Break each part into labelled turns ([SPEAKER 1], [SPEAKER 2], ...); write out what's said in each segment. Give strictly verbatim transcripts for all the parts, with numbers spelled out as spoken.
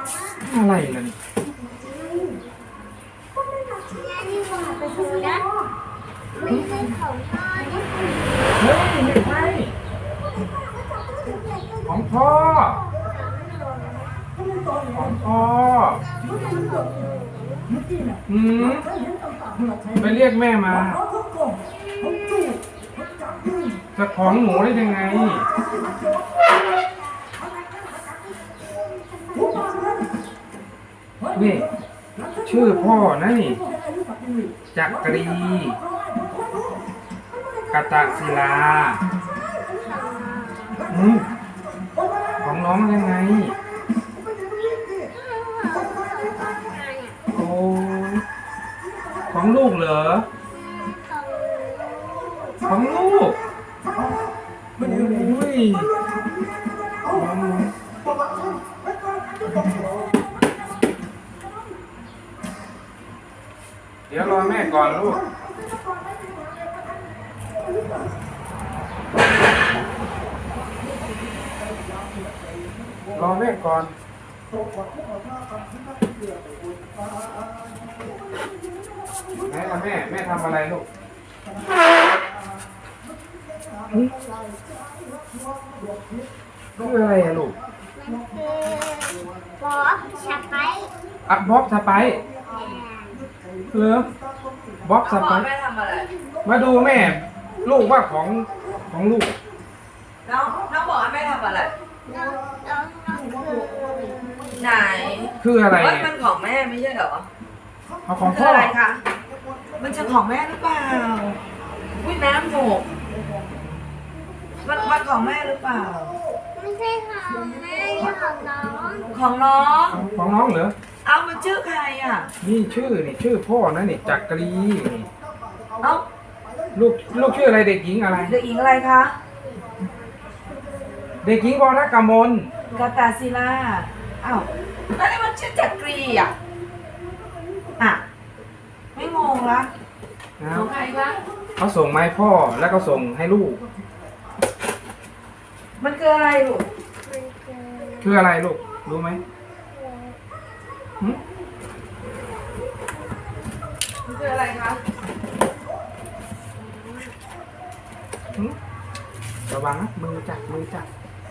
[SPEAKER 1] อะไรล่ะนี่
[SPEAKER 2] ไม่ใช่ของพ่อ
[SPEAKER 1] เฮ้ยไม่ใช่ของพ่อของพ่ออืมไปเรียกแม่มาจะของหนูได้ยังไงนี่ชื่อพ่อนะนี่จักรีกตศิลาอืมของน้องยังไงโอ้ของลูกเหรอของลูกโอ้ยเดี๋ยวรอแม่ก่อนลูกรอแม่ก่อนไหนล่ะแม่แม่ทำอะไรลูกคืออะไรอะลูก
[SPEAKER 2] มันคือบ๊อบสไปซ์
[SPEAKER 1] อัดบ๊อบสไปซ์เหรอบ๊อบสไปซ์
[SPEAKER 3] แม่ทำอะไร
[SPEAKER 1] มาดูแม่ ลูกว่าของของลูก
[SPEAKER 3] น้องน้องบอกว่าแม่ทำอะไร
[SPEAKER 2] น้องน้องน้องคือ
[SPEAKER 3] ไหน
[SPEAKER 1] คืออะไร
[SPEAKER 3] ว่า
[SPEAKER 1] เนี่ย
[SPEAKER 3] มันของแม่ไม่ใช่เหรอ
[SPEAKER 1] เอาของ
[SPEAKER 3] คื
[SPEAKER 1] พ่
[SPEAKER 3] อ
[SPEAKER 1] อ
[SPEAKER 3] อะไรคะ มันจะของแม่หรือเปล่าอุ้ยน้ำหกมันมันของแม่หรือเปล่า
[SPEAKER 2] ไม่ใช่ของแม่ของน้อง
[SPEAKER 3] ของน้อง
[SPEAKER 1] ของน้องเหรอ
[SPEAKER 3] เอามันชื่อใครอ่ะ
[SPEAKER 1] นี่ชื่อนี่ชื่อพ่อนะนี่จักรีนี่
[SPEAKER 3] เอ้า
[SPEAKER 1] ลูกลูกชื่ออะไรเด็กหญิงอะไร
[SPEAKER 3] เด็กหญิงอะไรคะ
[SPEAKER 1] เด็กหญิงวรกมล
[SPEAKER 3] กาตาศิลาอ้าวแล้วนี่มันชื่อจักรีอ่ะอ่ะไม่งงละ
[SPEAKER 1] นะ
[SPEAKER 3] ของใครคะ
[SPEAKER 1] เขาส่งมาให้พ่อแล้วก็ส่งให้ลูก
[SPEAKER 3] มันคืออะไรลูก
[SPEAKER 2] มันคือ
[SPEAKER 1] คืออะไรลูกรู้ไหมหึ
[SPEAKER 3] มันคืออะไรคะ
[SPEAKER 1] หึระวังนะมือจับมือจับ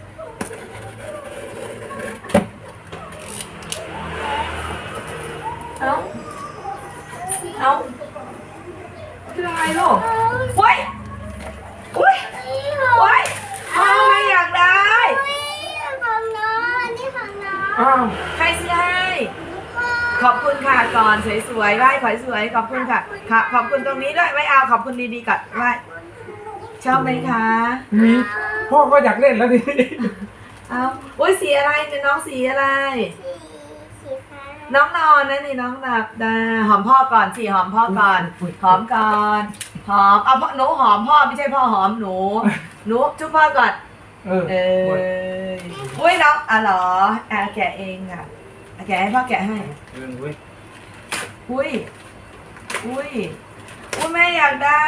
[SPEAKER 3] เอ้า เอ้าคืออะไรลูกโอ้ยโอ้ย
[SPEAKER 2] นี่ของ
[SPEAKER 3] โอ้ยพ่อไม่อยากได้
[SPEAKER 2] ของน้องอันนี้ของน้อง
[SPEAKER 1] อ้าว
[SPEAKER 3] ใครซื้อให้ ขอบคุณค่ะก่อนสวยๆไหว้ขอยสวยขอบคุณค่ะค่ะ ขอบคุณตรงนี้ด้วยไม่เอาขอบคุณดีๆก่อนไหว้ชอบไหมคะ
[SPEAKER 1] มีพ่อก็อยากเล่นแล้วดิ
[SPEAKER 3] เอาโอ้ยสีอะไรเนี่ยน้องสีอะไร
[SPEAKER 2] สีสีฟ้า
[SPEAKER 3] น้องนอนนะนี่น้องหลับดาหอมพ่อก่อนสิหอมพ่อก่อน หอมก่อนหอมเอาพ่อหนูหอมพ่อไม่ใช่พ่อหอมหนูหนูจุ๊บพ่อก่อน
[SPEAKER 1] เออ
[SPEAKER 3] เอออุ้ยน้องอ่ะเหรออ่ะแกะเองอ่ะอ่ะแกะให้พ่อแกะให้
[SPEAKER 1] เออเว้ย
[SPEAKER 3] อุ้ยอุ้ยอุ้ยแม่อยากได้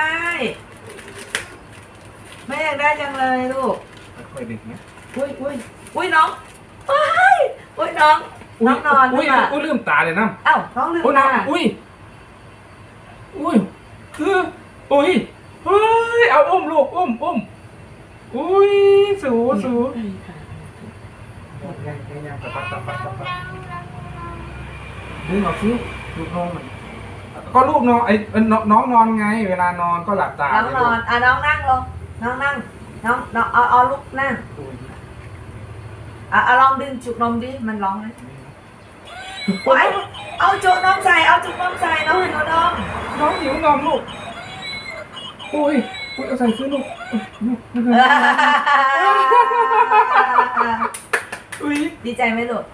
[SPEAKER 3] แม่อยากได้จังเลยลูก
[SPEAKER 1] ค่อยๆดึงนะ
[SPEAKER 3] อุ้ยอุ้ยอุ้ยน้องว้ายอุ้ยน้องน้องนอนหรื
[SPEAKER 1] อุ้
[SPEAKER 3] อย เปล่า
[SPEAKER 1] อุ้ยลืมตาเลยนะ
[SPEAKER 3] เอ้าน้องลืม
[SPEAKER 1] อุ้ย
[SPEAKER 3] ตา
[SPEAKER 1] น้ำอุ้ยอุ้ยคืออุ้ยเฮ้ยเอาอุ้มลูกอุ้มอุ้มอุ้ยสูสูยังยังยังตะปัดตะปัดตะปัดดึงออกซิลูกน้องมันก็ลูกนอนไอ้น้องน้องนอนไง เวลานอนก็หลับตา
[SPEAKER 3] น้องนอนอ่ะน้องนั่งลงน้องนั่งน้องน้องเอาเอาลูกนั่งอ่ะเอาลองดึงจุกนมดิมันร้องไหมไว้เอาจุกนมใส่เอาจุกนมใส่น้องหิวนม
[SPEAKER 1] น้องหิวนมลูกอุ้ยอุ้ยเอาใส่ขึ้นลูกอุ้ย
[SPEAKER 3] ดีใจไหมลูก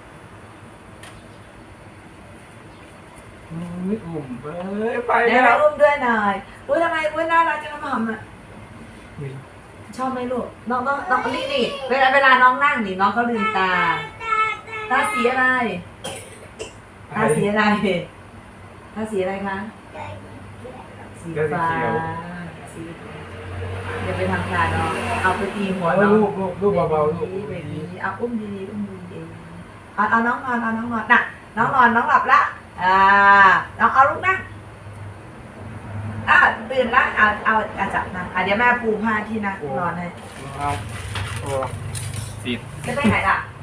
[SPEAKER 1] อุ้ยอุ่มเอ้ยไป
[SPEAKER 3] เดี๋ยว
[SPEAKER 1] แล้
[SPEAKER 3] ไป
[SPEAKER 1] ว
[SPEAKER 3] อุ้มด้วยหน่อยอุ้ยทำไมอุ้ยน่ารักจังน้ำหอมอ่ะ
[SPEAKER 1] อุ้ย
[SPEAKER 3] ชอบไหมลูกน้องน้องน้องนี่นี่เวลาเวลาน้องนั่งนี่น้องเขาลืมตาตาสีอะไรตาสีอะไรตาสีอะไรคะสีฟ้าสีอย่าไปทำการน้องเอาไปตีหัว
[SPEAKER 1] เอา
[SPEAKER 3] น้อง
[SPEAKER 1] ลูกลูกลูกเบาๆลูก
[SPEAKER 3] แบบนี้เอาอุ้มดีๆอุ้มดีเอาเอาน้องนอนเอาน้องนอนน่ะน้องนอนน้องหลับละอ่าน้องเอาลูกนั่งอ่ะตื่นละเอาเอาอาจับนะอ่ะเดี๋ยวแม่ปูผ้าที่นะนอนให้
[SPEAKER 1] เอาโอ้ติด
[SPEAKER 3] จะไปไหนล่ะ